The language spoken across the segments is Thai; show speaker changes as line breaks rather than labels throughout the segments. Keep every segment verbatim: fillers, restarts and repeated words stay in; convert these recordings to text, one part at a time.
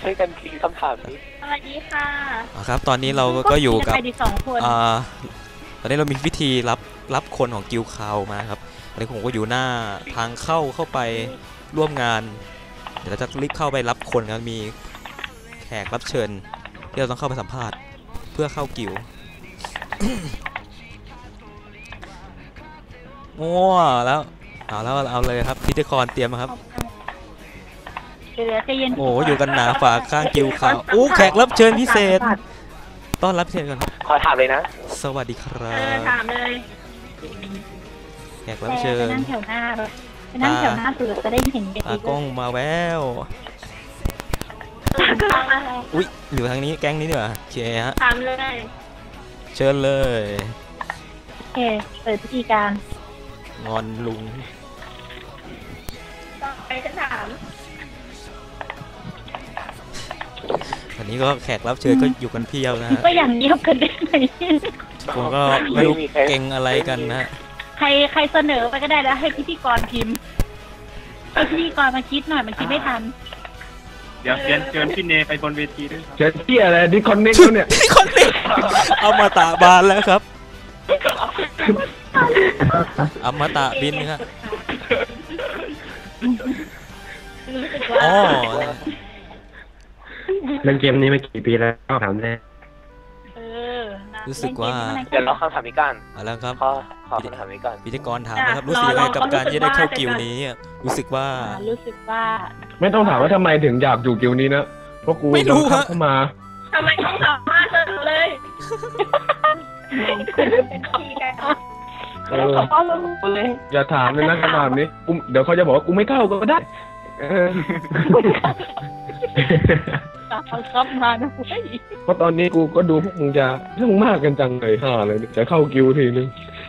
ช่วยกันคิดคำถามนี้
สวัสดีค่ะ
ครับตอนนี้เราก็อยู่กับ
อ่า
ตอนนี้เรามีวิธีรับรับคนของกิลคาวมาครับตอนนี้ผมก็อยู่หน้าทางเข้าเข้าไปร่วมงานเดี๋ยวเราจะรีบเข้าไปรับคนกันมีแขกรับเชิญที่เราต้องเข้าไปสัมภาษณ์เพื่อเข้ากิลงัวแล้วเอาแล้วเอาเลยครับพิธีกรเตรียมครับโอ้อยู่กันหนาฝาข้างกิลคาวโอ้แขกรับเชิญพิเศษต้อนรับพิเศษก่อน
ขอถามเลยนะ
สวัสดีครับ
ถามเลย
แขกรับเชิญ
นั่งแถวหน้าเลยนั่งแถวหน้าสุดจะได้เห็นกัน
ตากล้องมาแววอุ้ยอยู่ทางนี้แก๊งนี้ดีกว่าโอเคฮะ
ถามเลย
เชิญเลย
โอเคเปิดพิธีการ
งอนลุง
ต่อไปจะถาม
วันนี้ก็แขกรับเชิญก็อยู่กันเพียวนะฮะ
ก็อย่างเงียบกันได้ไหม
ผมก็ไม่รู้เก่งอะไรกันนะ
ใครใครเสนอไปก็ได้แล้วให้พิธีกรพิมพ์ให้พิธีกรมาคิดหน่อยมันคิดไม่ทัน
เดี๋ยวเชิญเชิญพี่เนไปบนเวทีด้วยครับ
เชิญพี่อะไรดิคอนเน็กเนี่ย
ดิคอนเน็กเอามาตะบานแล้วครับเอามาตะบินครับอ๋อ
เล่นเกมนี้มากี่ปีแล้วถามได้
รู้สึกว่า
เดี๋ยวเราคำถามนี้กัน
เอาแล้วครับ
ขอขอคำถามนี้กัน
พิธีกรถามนะครับรู้สึกยังไงกับการที่ได้เข้ากิลนี้รู้สึกว่า
รู้สึกว่า
ไม่ต้องถามว่าทำไมถึงอยากอยู่กิลนี้นะเพราะกู
ไม่รู้
เข้ามา
ทำไมต้องถามมาเฉยเลยเป็นขี้แก
เอออย่าถามเลยนะคำถามนี้กูเดี๋ยวเขาจะบอกว่ากูไม่เข้าก็ได้
เขาชอบมานะ
เพราะตอนนี้กูก็ดูพวกมึงจะเรื่องมากกันจังเลยห่าเลยจะเข้ากิวทีนึง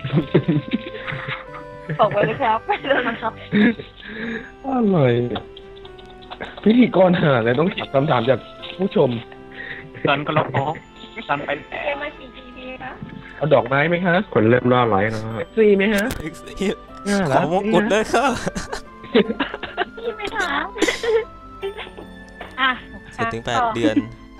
บอกไปเลยครับไปเลยนะครับ
อะไรพิธีกรห่าเลยต้องถามคำถามจากผู้ชม
สันก็ล็อกออกสันไป
เอ็มมากี่ทีพีคะ
เอาดอกไม้ไหมคะคนเริ่มร่าร้อยนะซีไหมฮะ
ขอมงกุฎด้วยค่ะ
ไม่ถามอ่ะ
เสร็จถึงแปดเดือน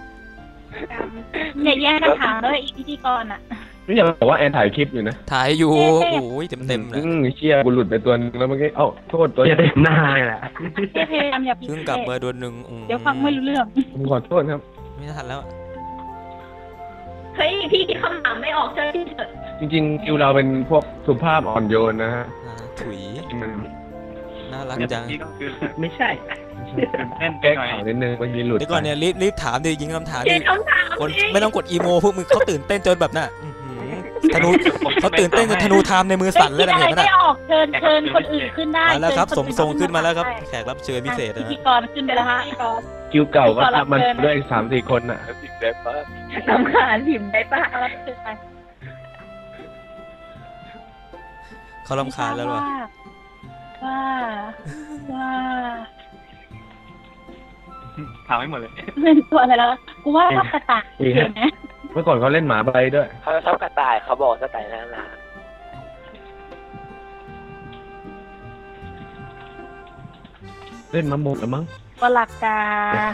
เนี่ยแย่กันถามเลยอีพิธีกรอ่ะ
นี่อย่าบอกว่าแอนถ่ายคลิปอยู่นะ
ถ่ายอยู่โอ้ยเต็มเต็มเลย
เชี่ยกูหลุดไปตัวนึงแล้วเมื่อกี้เอ้าโทษตัวเต็มหน้าแหละ
พยายามอย่าพิ
เพิ่งกลับมาโดนหนึ่ง
เดี๋ยวฟังไม่รู้เรื่อง
ผมขอโทษครับ
ไม่ทันแล้ว
เฮ้ยพี่ที่คำถามไม่ออกเจอที่เถอะ
จริงๆคิวเราเป็นพวกสุภาพอ่อนโยนนะฮะ
ถุยน่ารักจัง
ไม่ใช่แก้ข่าวนิดนึงมันมีหลุด
เดี๋ยวก่อนเนี่ยรีบรีบถามดิยิงคำถามดิคนไม่ต้องกดอีโมพวกมึงเขาตื่นเต้นจนแบบน่ะธนูเขาตื่นเต้นจนธนูไทม์ในมือสั่นเลยนะเห็นไหมน่ะ
ไม่ออกเชิญเชิญคนอื่นขึ้นได้
แล้วครับสมทรงขึ้นมาแล้วครับแขกรับเชิญพิเศษนะ
พิธีกรขึ้นไปแล้วฮะพิธีกร
คิวเก่าก็ทำมันด้วยสามสี่คนน่ะ
พิมพ์ได้ปะ
ทำงานพิมพ์ได้ปะรับเชิญไป
เขารำคาญแล้วหรอ
ว่าว่า
ถามให้หมดเลย
เป็นตัวอะไรแล้วกูว่าชอบกระต่ายเห็นไหม
เมื่อก่อนเขาเล่นหมาใบด้วย
เขาชอบกระต่ายเขาบอกกระต่ายน่ารัก
เล่นมาหมดแล้วมั้ง
ก็หลักกา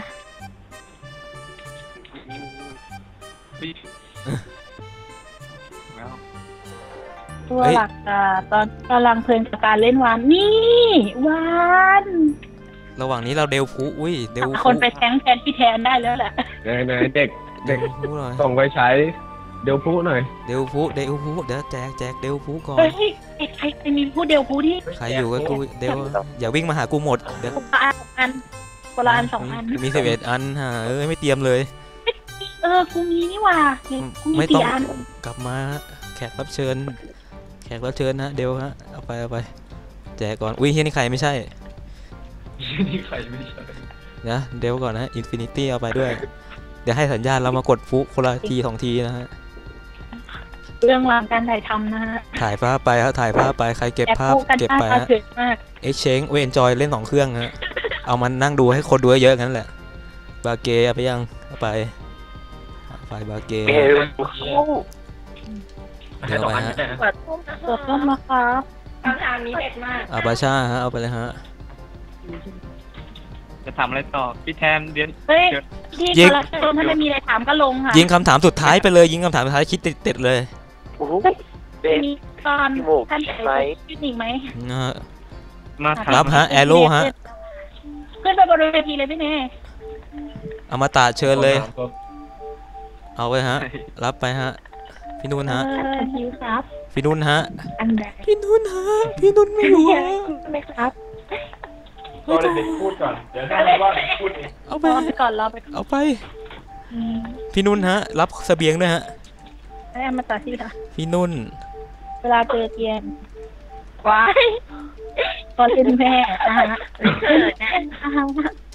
ตัวหลักกาตอนกำลังเพลินกับการเล่นวานนี่วาน
ระหว่างนี้เราเดลพูอุ้ยเดล
คนไปแทงแทนพี่แทนได้แล้วแหละ
ไหนๆเด็กเด็กส่งไปใช้เดลพูหน่อย
เดลพูเดลพูเดี๋ยวแจกแจกเดลพูก่อน
เฮ้ยใครใครมีพูเดลพูที่
ใครอยู่กับกูเดลอย่าวิ่งมาหากูหมดเดี๋ยว
คนละอันคนละอันสองอัน
มีสิบเอ็ดอันฮะเออไม่เตรียมเลย
เออกูมีนี่ว่า
ไม่ต้องกลับมาแขกรับเชิญแขกรับเชิญนะเดลฮะเอาไปเอาไปแจกก่อนอุ้ยเฮียนี่ใครไม่ใช่
นี่ใครไม่ใช่
นะเดลก่อนนะอินฟินิตี้เอาไปด้วยเดี๋ยวให้สัญญาณเรามากดฟุคนละทีสองทีนะฮะ
เรื่องราวการถ่ายทำนะฮะ
ถ่ายภาพไปครับถ่ายภาพไปใครเก็บภาพเก็บไปฮะเอ็กเชนเวนจอยเล่นสองเครื่องฮะเอามันนั่งดูให้คนดูเยอะงั้นแหละบาเกเอาไปยังเอาไปไปบาเกเดี๋ยวไปฮะ
ตัวต้มมาครับคำถามนี้เด็ดมาก
อาบาชาฮะเอาไปเลยฮะ
จะทำอะไรต่อพี่แทนเรียน
เฮ้ย
เดี๋ยว
พี่
ยิ
ก
ง
ระโดดถ้าไม่มีอะไรถามก็ลงค่ะ
ยิงคำถามสุดท้ายไปเลยยิงคำถามสุดท้ายคิดติดๆเลย
โอ้โหเบน
มีตอน
พี่หมูก
ท่าน
ไหม
ชื่อหนิงไหม
นะฮะ
มาถาม
รับฮะ Arrow ฮะ
ขึ้นไปบนเวทีเลยพี่เน่
อมตะเชิญเลย เอาไว้ฮะ รับไปฮะ พี่นุ่นฮะ
เออฮิวครับ
พี่นุ่นฮะ
อันใด
พี่นุ่นฮะ พี่นุ่นไม่อยู่ฮะ
ไหมครับ
รอเด็กๆพูดก่อน เดี๋ยวถ้าไม่ว่าพูดเอง
เอาไป
รอไปก่อนรอไปก่อน
เอาไป
อืม
พี่นุ่นฮะ รับเสบียงด้วยฮะ
ให้เอามาตัดที่ค่ะ
พี่นุ่น
เวลาเจอเกียนว้ายตอนเป็นแม่นะฮะเกิดนะอ่าฮะ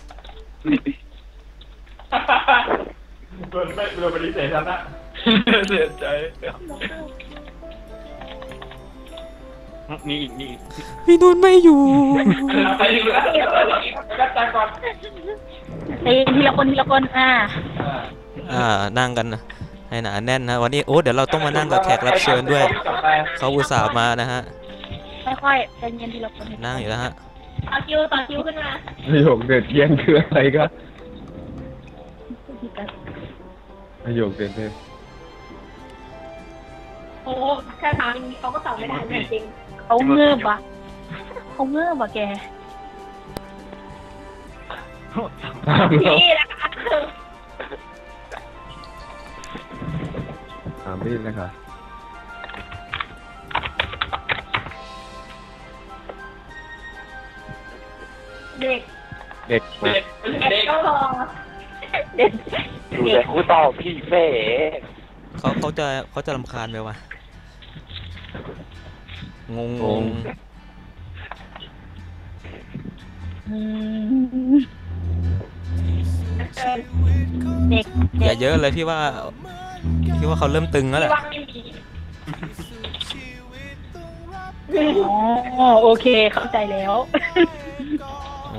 โดนไม่โดนปฏิเสธแล้วนะ
เสียใจมีอีกมีอีก
พี่นุ่นไม่อยู่
ไปอยู่แล้วกัดใจก่อน
ตีทีละคนทีละคนอ่า
อ่า นั่งกันนะให้หนาแน่นนะ วันนี้โอ้เดี๋ยวเราต้องมานั่งกับแขกรับเชิญด้วย เขาอุตส่าห์มานะฮะ
ค่อยๆใจเย็นทีละคน
นั่งอยู่แล้วฮะ
ต่อคิวต่อคิวขึ้นมา
ประโยคเด็ดเยี่ยงคืออะไรก็ประโยคเด็ดเลย
โอ้แค่ถามอย่างนี้เขาก็ตอบไม่ได้จริงเขาเงือบอ่ะเขาเงือบอ่ะแก
ตามเรา
พี่นะคะ
ตามพี่เลยค่ะ
เด็ก
เด็กมา
เด็กก็รอเด็ก
ดูแต่คู่ต่อพี่เฟ่
เขาเขาจะเขาจะรำคาญไหมวะ งงงง
อืมเด็ก
อย่าเยอะเลยพี่ว่า พี่ว่าเขาเริ่มตึงแล้วแหละ
ว่างไม่มีอ๋อโอเคเข้าใจแล้ว
โอ้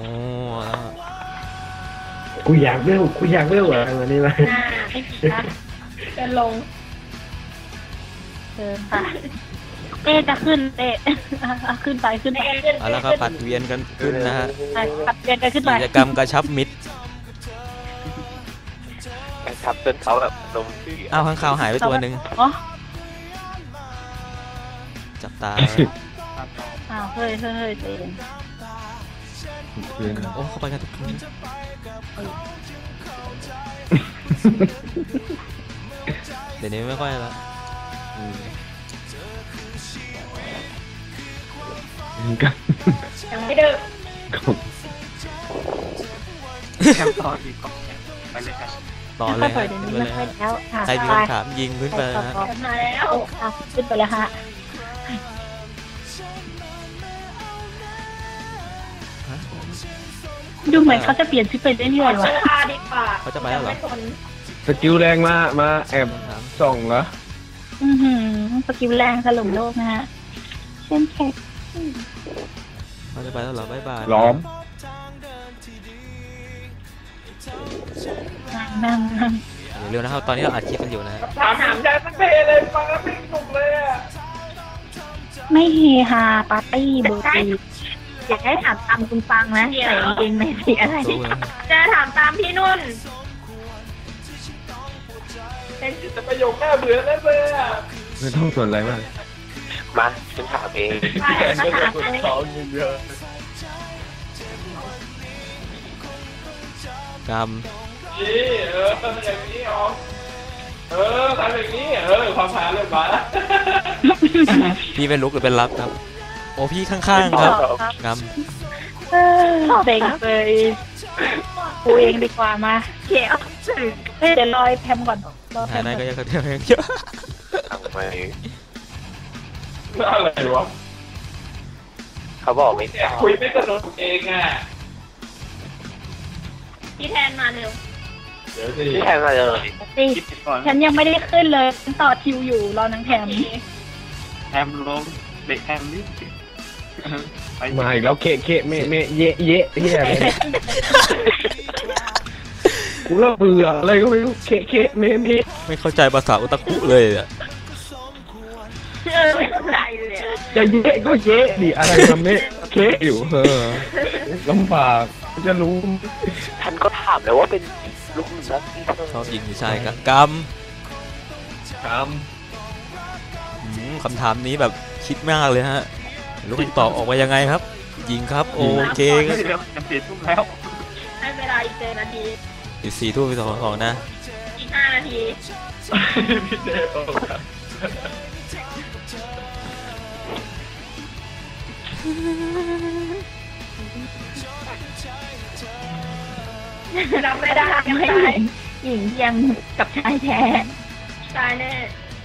กูอยากเร็วกูอยากเร็วอะไรวันนี้ไหม
อ่าไม่มีนะเดินลงเดินค่ะเต้จะขึ้นเต้อ่ะขึ้นไปขึ้นไป
เอาละครับผัดเวียนกันขึ้นนะฮะ
ไปขับเดินกันขึ้นไป
กิจกรรมกระชับมิตร
ครับจนเขาแบบลมเสีย
อ้าวข้างคาวหายไปตัวหนึ่ง
อ๋อ
จับตา
อ้าวเฮ้ยเฮ้ยเฮ้ยเต้
โอ้เข้าไปกันทุกคนเดี๋ยวนี้ไม่ค่อยละ
กัน
ยังไม่เดิน
แคมป์ต่ออีกก่อนไปเลยครับ
ต่อเลย
ค่อ
ฮะ
ยๆเดี๋ยว
ขึ้น
นี้
ไป
ไม่
เลย
ค่อย
ฮะ
แล้วอ่ะ
ใครมี
ไป
คำถามยิงขึ้นไปนะฮะ
มาแล้วอ่ะขึ้นไปแล้วฮะดูเหมือนเขาจะเปลี่ยนชุดไปเรื่อยๆว่ะ
เขาจะไปแล้วเหรอ
สกิลแรงมามาแอบส่องเหรอ
อือหือสกิลแรงถล่มโลกนะฮะเช่นแค่
เขาจะไปแล้วเหรอบ๊ายบาย
ล้อม
นั่งนั่ง
เดี๋ยวเร็วนะครับตอนนี้เราอัดคลิปกันอยู่นะฮะ
ถามถามใจสักเพเลยฟังแล้วไม่สนุกเลยอ่ะ
ไม่เฮฮาปาร์ตี้เบอร์ตีอยากให้ถามตามคุณฟังนะใส่เองไม่สีอะไร
รู้นะ
จะถามตามพี่นุ่น
แต่ประโยคน่าเบื่อแล้วเลยอ่ะไม่ต้องสนอะไรมาก
มาฉันถามเอง
มาถามเลย
สองเยอะ
กรรม
นี่เอออย่างนี้อ๋อเออทำอย่างนี้เออความหาเริ่มมา
พี่เป็นลุกหรือเป็นรับครับ โอ้พี่ข้างๆครับกรรม
เซ็งเลยกูเองดีกว่ามาเขียวเฮ้ยเดี๋ยวรอยแพมก่อนรอแพ
หาย
ม
ได้
ก่อน
ก็ยังกระเทียมเยอะ
ทำไม
อะไรวะ
เขาบอกไม่ได้
คุยไม่สนุกเองอ่ะ
พี่แทนมาเร็ว
เดี๋ยวสิ
พี่แทนมาเลย
สิ
คิดก่อน
ฉันยังไม่ได้ขึ้นเลยฉันต่อคิวอยู่รอนางแถม
แทมลงเด็กแทมนี่ไป
มาอีกแล้วเคะเคะเมะเมะเยะเยะเฮียอะไรกูเริ่มเบื่ออะไรก็ไม่รู้เคะเคะเมะเมะ
ไม่เข้าใจภาษาอุตะคุเลยอ่ะ
เออไม่เข้าใจเลย
จะเยะก็เยะดิอะไรมาเมะเคะอยู่เออลำบากจะรู้
ท่านก็ถามแล้วว่าเป็นลูกนักที่เธอ
ชอบยิงหรือชายกก
ครั
ำ
บ
อืมคำถามนี้แบบคิดมากเลยฮะลูกตอบออกมายังไงครับ ยิงครับโอเคครับ
เดี๋ยวจะเปลี่ยนทุ่มแล้ว
ให้เวลาอีกเจ็ดนาที
อีกสี่ทุ่มไปสองสองนะ
อีกห้านาที
พี่เจโอ้ครับ
รับไม่ได้ไม่หญิงหญิงเทียมกับชายแท้ชายแน่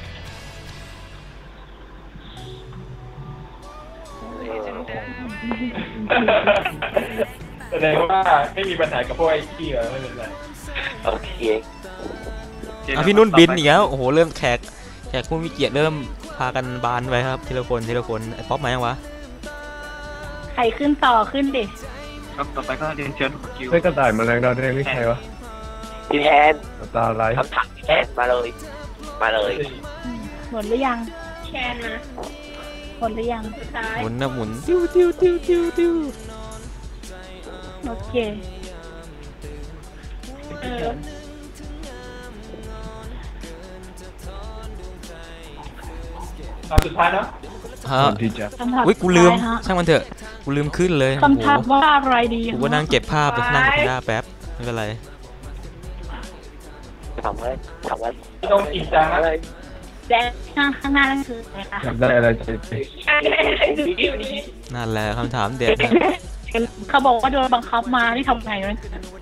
แสดงว่าไม่มีปัญหากับพวกไอ้ขี้เหรอไม่เป็นไร
โอเค
อ่ะพี่นุ่นบินอีกแล้วโอ้โหเริ่มแขกแขกผู้มีเกียรติเริ่มพากันบานไปครับทีละคนทีละคนไอ้ป๊อปมายังวะ
ใครขึ้นต่อขึ้นดิ
ครับต่อไปก็เรียนเชิญคิว
ไม่กระต่ายแมลงดาวแดงนี่ใครวะ
พี่แทน
ตาลาย
คำถามพี่แทนมาเลย มาเลย
หมดหรือยังแชนมาหมดหรือยังสุดท้าย
หมุนนะหมุนติ้วติ้วติ้วติ้วติ้ว
โอเคเออ
ตอนสุดท้ายเนาะ
ฮะ
คนที่จะ
คำถาม
อุ้ยกูลืม
สุดท้ายฮะ
ช่างมันเถอะกูลืมขึ้นเลยโอ้
คำถาม
โห
ว่าอะไรดี
กูก็นั่งเก็บภาพไปนั่งกับหน้าแป๊บไม่เป็นไร
ถามว่าถามว่า
ไม่ต้องจริงจัง
อะ
นะ
ไร
แดงข้างข้างหน้านั่นคืออะไรคะ
อยากได้อะไรจะไป
นั่นแหละคำถามเด็ดนะ
เขาบอกว่าโดนบังคับมาที่ทำไงวะ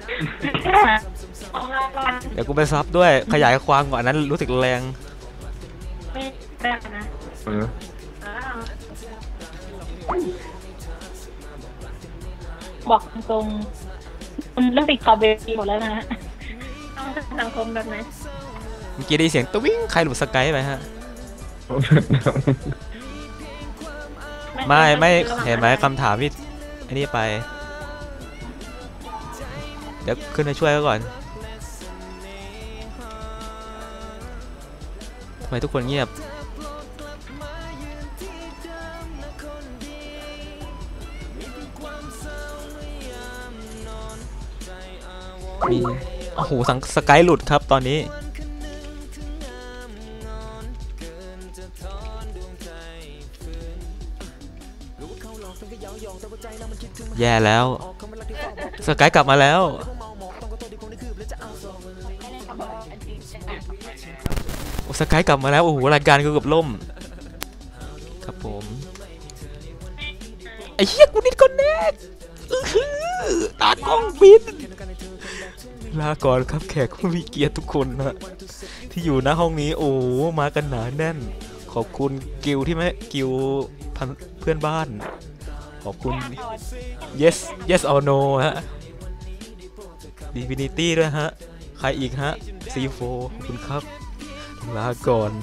เดี๋ยวกูไปซับด้วยขยายความก่อนอันนั้นรู้สึกแรง
ไม่ได้นะ
เออ
บอกตรงๆคุณเรื่องติดขอบเวทีหมดแล้วนะฮะต้องสังคมแบบไหน
เมื่อกี้ได้ยินเสียงตะวิ่งใครหลุดสกายไปฮะไม่ไม่เห็นไหมคำถามที่อันนี้ไปเดี๋ยวขึ้นมาช่วยเขาก่อนทำไมทุกคนเงียบมีโอ้โหสังสกายหลุดครับตอนนี้แย่แล้วสกายกลับมาแล้วโอ้สกายกลับมาแล้วโอ้โหรายการกูเกือบล่มครับผมไอ้เหี้ยกูนิดก่อนแน่อื้อหือตากล้องบินลาก่อนครับแขกผู้มีเกียรติทุกคนนะที่อยู่หน้าห้องนี้โอ้มากันหนาแน่นขอบคุณกิวที่ไม่กิวพันเพื่อนบ้านขอบคุณ yes yes or no ฮะ Divinity ด้วยฮะใครอีกฮะ ซี โฟร์ ขอบคุณครับลาก่อน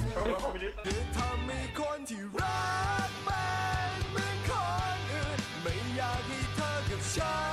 ไม่อยากให้เธอกับฉัน